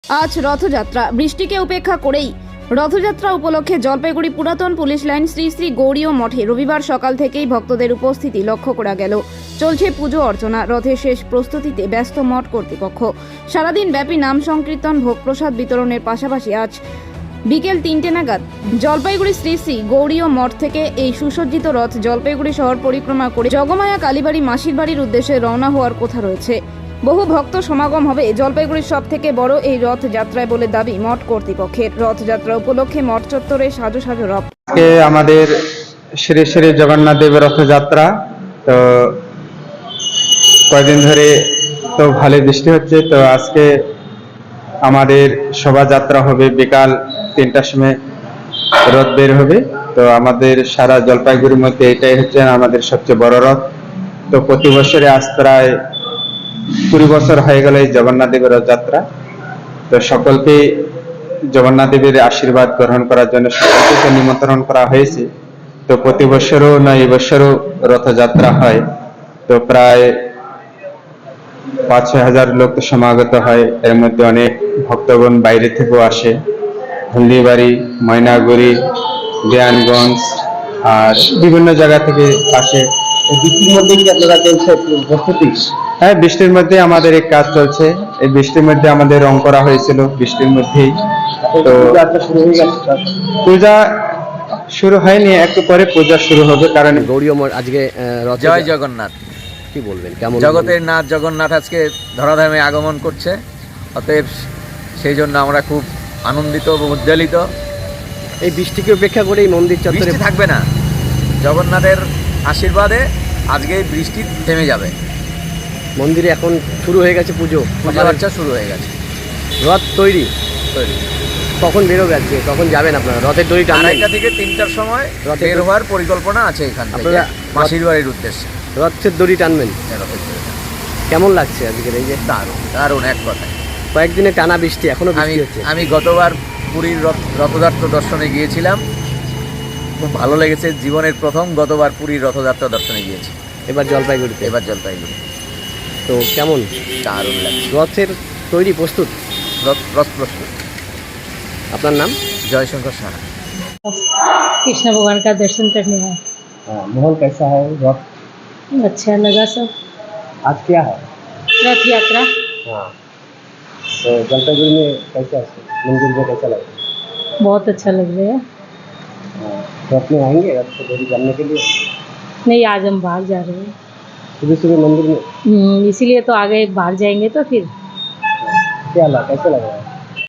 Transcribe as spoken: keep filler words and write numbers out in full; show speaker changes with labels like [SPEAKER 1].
[SPEAKER 1] আজ রথযাত্রা, বৃষ্টিকে উপেক্ষা করেই রথযাত্রা উপলক্ষে জলপাইগুড়ি পুরাতন পুলিশ লাইন শ্রী শ্রী গৌরীয় মঠে রবিবার সকাল থেকেই ভক্তদের উপস্থিতি লক্ষ্য করা গেল। চলছে পুজো অর্চনা, রথের শেষ প্রস্তুতিতে ব্যস্ত মঠ কর্তৃপক্ষ। সারাদিন ব্যাপী নাম সংকীর্তন, ভোগ প্রসাদ বিতরণের পাশাপাশি আজ বিকেল তিনটে নাগাদ জলপাইগুড়ি শ্রী শ্রী গৌরীয় মঠ থেকে এই সুসজ্জিত রথ জলপাইগুড়ি শহর পরিক্রমা করে জগমায়া কালীবাড়ি মাসির বাড়ির উদ্দেশ্যে রওনা হওয়ার কথা রয়েছে। বহু ভক্ত সমাগম হবে জলপাইগুড়ির সব থেকে বড় এই রথযাত্রায় বলে দাবি মঠ কর্তৃপক্ষের। রথযাত্রা উপলক্ষে মঠ চত্বরে সাজো সাজো রথ।
[SPEAKER 2] আমাদের শ্রী শ্রী জগন্নাথ দেবের রথযাত্রা, তো কয়েকদিন ধরে তো ভালো বৃষ্টি হচ্ছে, তো আজকে আমাদের শোভাযাত্রা হবে বিকাল তিনটার সময় রথ বের হবে। তো আমাদের সারা জলপাইগুড়ির মধ্যে এটাই হচ্ছে আমাদের সবচেয়ে বড় রথ। তো প্রতি বছরে আজ প্রায় কুড়ি বছর হয়ে গেল এই জগন্নাথ দেবের রথযাত্রা। তো সকলকে জগন্নাথ দেবের আশীর্বাদ গ্রহণ করার জন্য সকলকে নিমন্ত্রণ করা হয়েছে। তো প্রতি বছরও না এই বছরও রথযাত্রা হয়। তো প্রায় পাঁচ ছয় হাজার লোক সমাগত হয়। এর মধ্যে অনেক ভক্তগণ বাইরে থেকেও আসে, হলদিবাড়ি, ময়নাগুড়ি, দেয়ানগঞ্জ আর বিভিন্ন জায়গা থেকে আসে।
[SPEAKER 3] বৃষ্টির মধ্যে কি আপনারা চলছে প্রস্তুতি?
[SPEAKER 2] হ্যাঁ, বৃষ্টির মধ্যে আমাদের এই কাজ চলছে। এই বৃষ্টির মধ্যে আমাদের রং করা হয়েছিল বৃষ্টির মধ্যেই। তো
[SPEAKER 3] শুরু হয়ে গেছে,
[SPEAKER 2] পূজা শুরু হয়নি, একটু পরে পূজা শুরু হবে। কারণ
[SPEAKER 4] গৌরীয় মঠ আজকে রথ।
[SPEAKER 5] জয় জগন্নাথ।
[SPEAKER 4] কি বলবেন, কেমন
[SPEAKER 5] জগতের নাথ জগন্নাথ আজকে ধরাধামে আগমন করছে, অতএব সেই জন্য আমরা খুব আনন্দিত ও উজ্জ্বলিত।
[SPEAKER 4] এই বৃষ্টিকে উপেক্ষা করে এই মন্দির চত্বরে
[SPEAKER 5] বৃষ্টি থাকবে না, জগন্নাথের আশীর্বাদে আজকে বৃষ্টি থেমে যাবে।
[SPEAKER 4] মন্দিরে এখন শুরু হয়ে গেছে পুজো,
[SPEAKER 5] পূজা আর্চা শুরু হয়ে গেছে।
[SPEAKER 4] রথ তৈরি
[SPEAKER 5] তৈরি
[SPEAKER 4] কখন বেরোবে আজকে, কখন যাবেন আপনারা? রথের দড়ি টানবেন?
[SPEAKER 5] আড়াইটা থেকে তিনটার সময়
[SPEAKER 4] রথের
[SPEAKER 5] বের হওয়ার পরিকল্পনা আছে এখান থেকে
[SPEAKER 4] আপনারা
[SPEAKER 5] মাসির বাড়ির উদ্দেশ্যে।
[SPEAKER 4] রথের দড়ি টানবেন?
[SPEAKER 5] রথের দড়ি টানবেন।
[SPEAKER 4] কেমন লাগছে আজকের এই যে
[SPEAKER 5] দারুণ দারুণ এক কথায়।
[SPEAKER 4] কয়েকদিনে টানা বৃষ্টি, এখনো
[SPEAKER 5] আমি
[SPEAKER 4] বৃষ্টি হচ্ছে?
[SPEAKER 5] আমি গতবার পুরীর রথ রথযাত্রা দর্শনে গিয়েছিলাম, খুব ভালো লেগেছে। জীবনের প্রথম গতবার পুরীর রথযাত্রা দর্শনে গিয়েছি,
[SPEAKER 4] এবার জলপাইগুড়িতে।
[SPEAKER 5] এবার জলপাইগুড়ি।
[SPEAKER 4] তো কেমন
[SPEAKER 5] দারুণ লাগছে।
[SPEAKER 4] রথের তৈরি প্রস্তুত?
[SPEAKER 5] রথ রথ প্রস্তুত।
[SPEAKER 4] আপনার নাম?
[SPEAKER 5] জয়শঙ্কর সাহা।
[SPEAKER 6] कृष्ण भगवान का दर्शन करने आए।
[SPEAKER 3] हाँ, माहौल कैसा है? रथ
[SPEAKER 6] अच्छा लगा सब।
[SPEAKER 3] आज क्या है?
[SPEAKER 6] रथ यात्रा
[SPEAKER 3] हाँ, तो जलपाईगुड़ी में कैसा है? मंदिर में कैसा लगा?
[SPEAKER 6] बहुत अच्छा लग रहा है।
[SPEAKER 3] हाँ, रथ में आएंगे रथ को दौड़ी जानने के लिए?
[SPEAKER 6] नहीं, आज हम बाहर जा रहे हैं,
[SPEAKER 3] सुबह सुबह मंदिर में
[SPEAKER 6] हम्म, इसीलिए तो आगे बाहर जाएंगे तो फिर
[SPEAKER 3] क्या लगा, कैसा लगा?